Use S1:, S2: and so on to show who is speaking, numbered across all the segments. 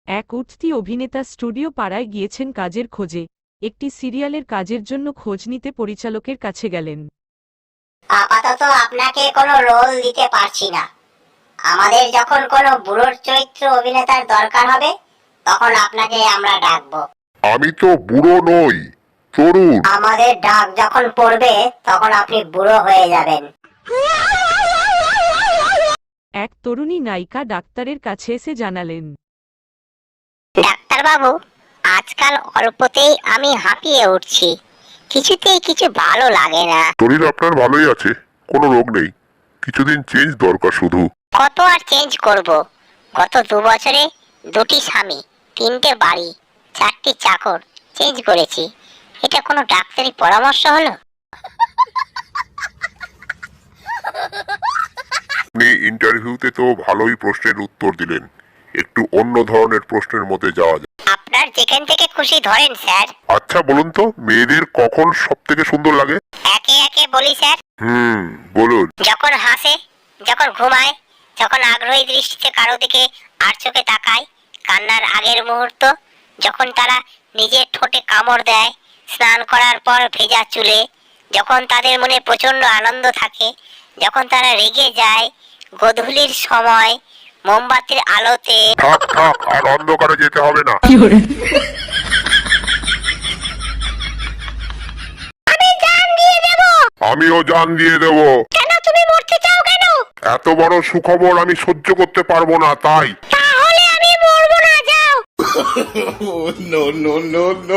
S1: এক উঠতি অভিনেতা স্টুডিও পাড়ায় গিয়েছেন কাজের খোঁজে। একটি সিরিয়ালের কাজের জন্য খোঁজ নিতে পরিচালকের কাছে গেলেন।
S2: আপাতত আপনাকে কোনো রোল দিতে পারছি না। আমাদের যখন কোনো বুড়োর চরিত্র অভিনেতার দরকার হবে তখন আপনাকে আমরা ডাকবো।
S3: আমি তো বুড়ো নই, তরুণ।
S2: আমাদের ডাক যখন পড়বে তখন আপনি বুড়ো হয়ে যাবেন।
S1: এক তরুণী নায়িকা ডাক্তারের কাছে এসে জানালেন,
S2: ডাক্তার বাবু, আজকাল অল্পতেই আমি হাঁপিয়ে উঠছি, কিছুতেই কিছু ভালো লাগে না।
S3: শরীর আপনার ভালোই আছে, কোনো রোগ নেই, কিছুদিন চেঞ্জ দরকার শুধু।
S2: কত আর চেঞ্জ করব? গত 2 বছরে 2টি স্বামী, 3টে বাড়ি, 4টি চাকর চেঞ্জ করেছি। এটা কোনো ডাক্তারি পরামর্শ হলো?
S3: আপনি ইন্টারভিউতে তো ভালোই প্রশ্নের উত্তর দিলেন, একটু অন্য ধরনের প্রশ্নের মধ্যে যাওয়া যায়।
S2: আপনার যেখান থেকে খুশি ধরেন স্যার।
S3: আচ্ছা বলুন তো, মেয়েদের কখন সব থেকে সুন্দর লাগে?
S2: একে একে বলি স্যার।
S3: বলুন।
S2: যখন হাসে, যখন ঘুমায়, যখন আগ্রহী দৃষ্টিতে কারো দিকে আর চোখে তাকায়, কান্নার আগের মুহূর্ত, যখন তারা নিজের ঠোঁটে কামড় দেয়, স্নান করার পর ভেজা চুলে, যখন তাদের মনে প্রচন্ড আনন্দ থাকে, যখন তারা রেগে যায়, গোধূলির সময় মোমবাতির আলোতে।
S3: থাক থাক, আর অন্ধকারে যেতে হবে না।
S2: আমি জান দিয়ে দেব।
S3: আমিও জান দিয়ে দেব।
S2: কেন তুমি মরতে চাও কেন?
S3: এত বড় সুখবর আমি সহ্য করতে পারবো না, তাই।
S2: তাহলে আমি মরবো না, যাও।
S4: No, no, no, no.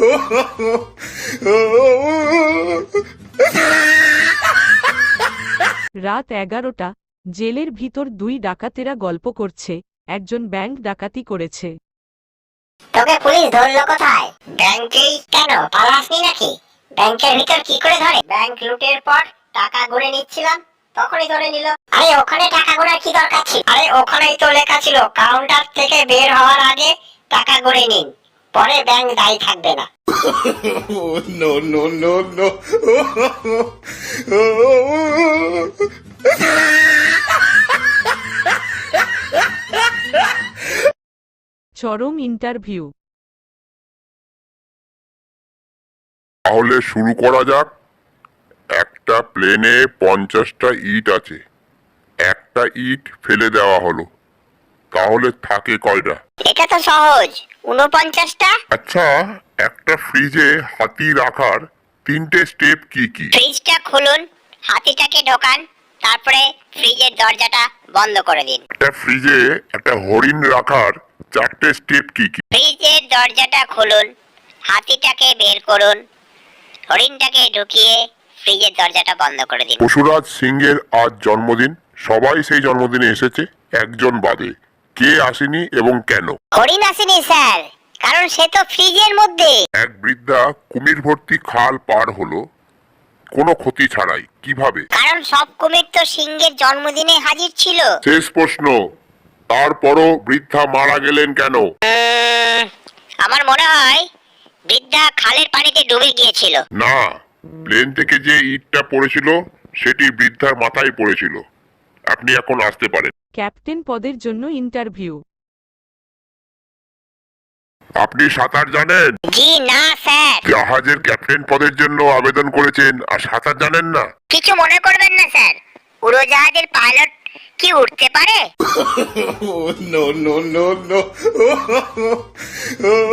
S1: রাত 11টা। জেলের ভিতর 2 ডাকাতেরা গল্প করছে। একজন ব্যাংক ডাকাতি করেছে।
S2: তোকে পুলিশ ধরলো কোথায়? ব্যাংকেই। কেন পালাসনি নাকি? ব্যাংকের ভিতর কি করে ধরে? ব্যাংক লুটের পর টাকা গুনে নিচ্ছিলাম, তখনই ধরে নিল। আরে ওখানে টাকা গোনার কি দরকার ছিল? আরে ওখানেই তো লেখা ছিল কাউন্টার থেকে বের হওয়ার আগে টাকা গুনে নিন, পরে ব্যাংক দায়ী থাকবে না।
S4: No, no, no, no.
S1: চরম ইন্টারভিউ।
S3: তাহলে শুরু করা যাক। একটা প্লেনে 50টা ইট আছে, একটা ইট ফেলে দেওয়া হলো, তাহলে থাকে কয়টা?
S2: এটা তো সহজ, 49টা।
S3: আচ্ছা, একটা ফ্রিজে হাতি রাখার 3টে স্টেপ কি কি?
S2: ফ্রিজটা খুলুন, হাতিটাকে ঢোকান, তারপরে ফ্রিজের দরজাটা বন্ধ করে দিন।
S3: একটা ফ্রিজে একটা হরিণ রাখার 4টে স্টেপ কি কি?
S2: ফ্রিজের দরজাটা খুলুন, হাতিটাকে বের করুন, হরিণটাকে ঢুকিয়ে ফ্রিজের দরজাটা বন্ধ করে দিন।
S3: পশুরাজ সিংহের আজ জন্মদিন, সবাই সেই জন্মদিনে এসেছে, একজন বাদে। কে আসেনি এবং কেন?
S2: হরিণ আসেনি স্যার, কারণ সে তো ফ্রিজের মধ্যে।
S3: এক বৃদ্ধা কুমির ভর্তি খাল পার হলো কোনো ক্ষতি ছাড়াই, কিভাবে?
S2: কারণ সব কুমির তো সিংহের জন্মদিনে হাজির ছিল।
S3: শেষ প্রশ্ন, তারপরও বৃদ্ধা মারা গেলেন কেন?
S2: আমার মনে হয় বৃদ্ধা খালের পানিতে ডুবে গিয়েছিল।
S3: না, প্লেন থেকে যে ইটটা পড়েছিল সেটি বৃদ্ধার মাথায় পড়েছিল। আপনি এখন আসতে পারেন।
S1: ক্যাপ্টেন পদের জন্য ইন্টারভিউ।
S3: আপনি সাঁতার জানেন?
S2: জি না স্যার।
S3: জাহাজের ক্যাপ্টেন পদের জন্য আবেদন করেছেন আর সাঁতার জানেন না?
S2: কিছু মনে করবেন না স্যার, উড়োজাহাজের পাইলট কি উঠতে পারে?
S4: No, no, no, no.